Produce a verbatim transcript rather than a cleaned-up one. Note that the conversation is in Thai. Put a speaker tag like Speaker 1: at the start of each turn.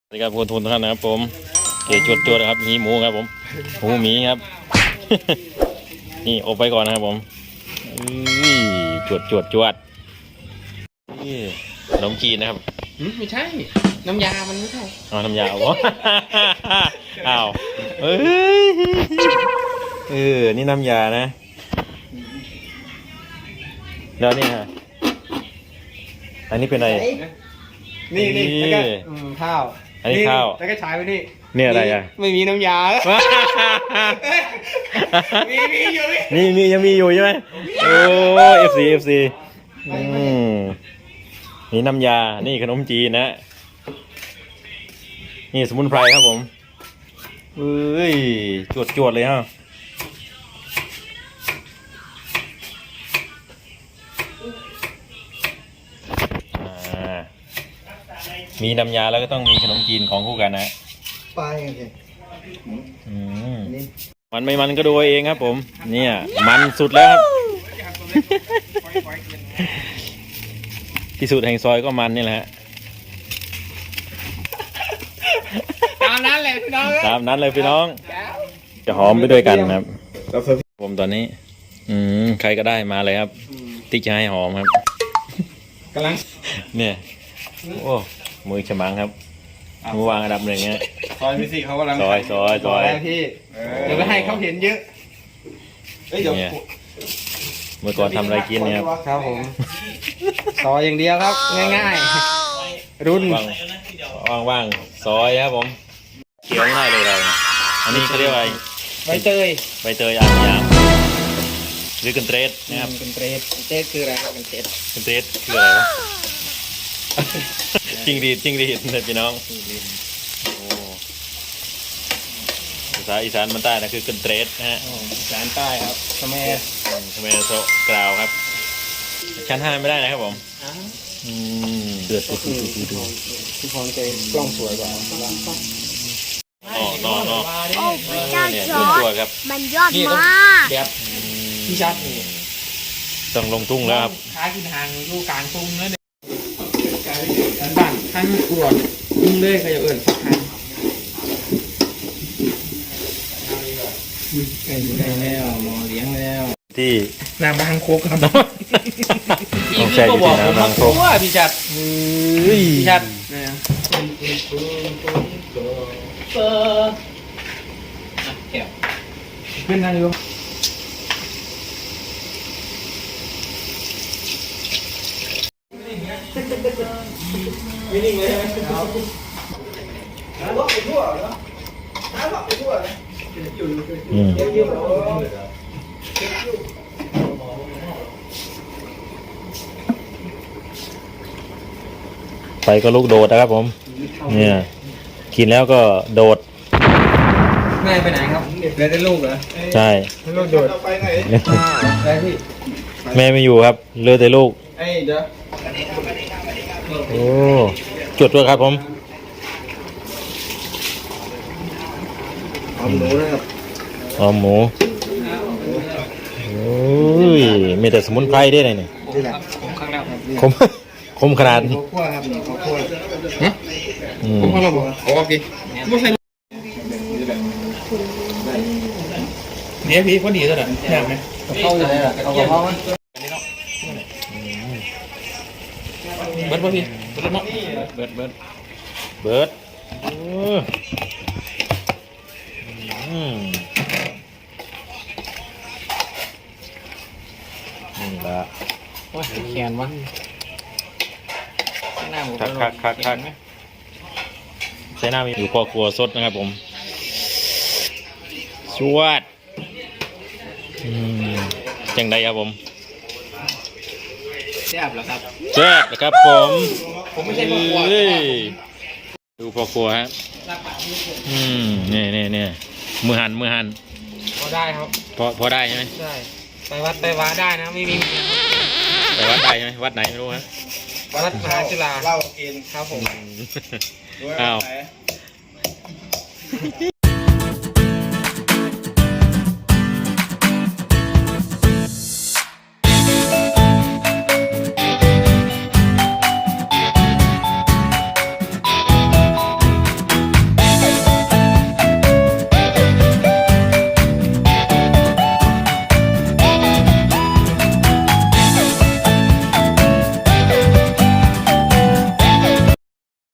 Speaker 1: สวัสดีครับคุณทุนทุกท่านนะครับผมเกจวดจวดครับหีหมูครับผมหมูหมีครับ นี่อบไปก่อนนะครับผมจวดจวดจวดนี่ขนมจีนนะครับ
Speaker 2: ไม่ใช่น้ำยามันไม่ใช่
Speaker 1: อ๋อน้ำยาอ๋อ อ้าวเอ้ยเออนี่น้ำยานะแล้วนี่ฮะอันนี้เป็นอะไร
Speaker 2: นี่นี่แล้วก็ข้าว
Speaker 1: อันนี้ข้าว
Speaker 2: แล้วก็ฉายไปนี่
Speaker 1: นี่อะไรอ่ะ
Speaker 2: ไม่มีน้ำยามีมีอยู่
Speaker 1: นี่มียังมีอยู่ใช่ไหมโอ้เอฟซีเอฟซีนี่น้ำยานี่ขนมจีนนะนี่สมุนไพรครับผมเอ้ยจวดจวดเลยฮะมีน้ำยาแล้วก็ต้องมีขนมจีนของคู่กันนะ
Speaker 2: ไปกันสิ
Speaker 1: มันไม่มันก็ดูเองครับผมเนี่ยมันสุดแล้วครับที่สุดแห่งซอยก็มันนี่แหละฮะ
Speaker 2: ตามนั้นเลยพี่น้อง
Speaker 1: ตามนั้นเลยพี่น้องจะหอมไปด้วยกันครับผมตอนนี้อืมใครก็ได้มาเลยครับติ๊กจะให้หอมครับ
Speaker 2: กำลัง
Speaker 1: เนี่ยโอ้มือฉมังครับมือวางอันดับหนึ่งเนี่ย
Speaker 2: ซอยพี่สิเขากำลัง
Speaker 1: ซอยซอยซอย
Speaker 2: พี่เดี๋ยวไปให้เขาเห็นเยอะ
Speaker 1: เนี่ยเมื่อก่อนทำอะไรกินเนี่ย
Speaker 2: ครับผมซอยอย่างเดียวครับง่ายๆรุ่น
Speaker 1: ว่างว่างซอยครับผมเคี้ยวง่ายเลยเราอันนี้เขาเรียกว่า
Speaker 2: ใบเตย
Speaker 1: ใบเตยอ่างยางหรือกันเตรสนะครับ
Speaker 2: กันเตรสเตรสคืออะไรครับกันเตรส
Speaker 1: กันเตรสคืออะไรวะจิงรีดจิงรีดเลยพี่น้องโอ้ภาษาอีสานมันใต้นะคือกันเตรสนะฮะ
Speaker 2: อีสานใต้ครับทำไม
Speaker 1: ทำไมโซกล่าวครับชั้นห้าไม่ได้นะครับผมอืมเดือด
Speaker 2: ดูดูดูดูพี่พรใจกล้องสวยกว่า
Speaker 1: อ๋อนอนนอน
Speaker 3: โอ้พระเจ้าจอร์จมันยอดมาก
Speaker 2: แบบพี่ชัดนี่
Speaker 1: ต้องลงทุ่งแล้วครับ
Speaker 2: ค้ากินทางอยู่กลางทุ่งเลยบ้านข้างกวดทุ่งเลยใครจะเอิ่นสักครั้งไก่แล้วหมอเลี้ยงแล้ว
Speaker 1: ที่
Speaker 2: น้ำบางโคกครับ
Speaker 1: ต้องใช้ที่น้ำบางโคก
Speaker 2: พี่ชัดพี่ชัดเนี่ยเออแก้วขึ้นนั่งอยู่ไม่นิ่งเลยครับน้ำลดไปทั่วเนาะน้ำลดไปทั่วเลย
Speaker 1: อืมไปก็ลูกโดดนะครับผมเนี่ยกินแล้วก็โดด
Speaker 2: แม่ไปไหนครับแม่ได้ลูกเหรอ
Speaker 1: ใช่
Speaker 2: ลูกโดดไปไหนไปพี่
Speaker 1: แม่ไม่อยู่ครับเหลือแต่ลูก
Speaker 2: ไอ้เดี๋ยว
Speaker 1: โอ้จดด้วยครับผม
Speaker 2: หอมหมูนะครับ
Speaker 1: หอมหมูโอ้ยมีแต่สมุนไพรได้เลยเนี่ยคมคมขนาด
Speaker 2: ข้าวคั่วครับข้าวคั่วฮะคมข้าวเราบอกโอเคไม่ใช่เนี่ยพี่พอดีเลยเหรอแซ่บไหมเข้าเลยเหรอเอากระเพาะมั้ยเบิร์ดป่ะพี่เบิร์ดเนาะเบิร์ดเบิร์ด
Speaker 1: เบิร์ดนี่ละ
Speaker 2: โอ้ยแขนวะ
Speaker 1: คักคักคักคักใช้หน้ามีอยู่พอครัวสดนะครับผมชวดจังไดครับผม
Speaker 2: แซ่บเหรอครับ
Speaker 1: แซ่บนะครับผม
Speaker 2: ผมไม่ใช่พ่อครัว
Speaker 1: ดูพอครัวฮะอืมนี่นี่นี่มือหันมือหัน
Speaker 2: พอได้ครับ
Speaker 1: พอพอได้ใช่ไหม
Speaker 2: ใช่ไปวัดไปวัดได้นะไม่มี
Speaker 1: ไปวัดได้ใช่ไหมวัดไหนไม่รู้ฮะ
Speaker 2: วัดมหาจุฬาเล่ากินครับผม
Speaker 1: อ้าว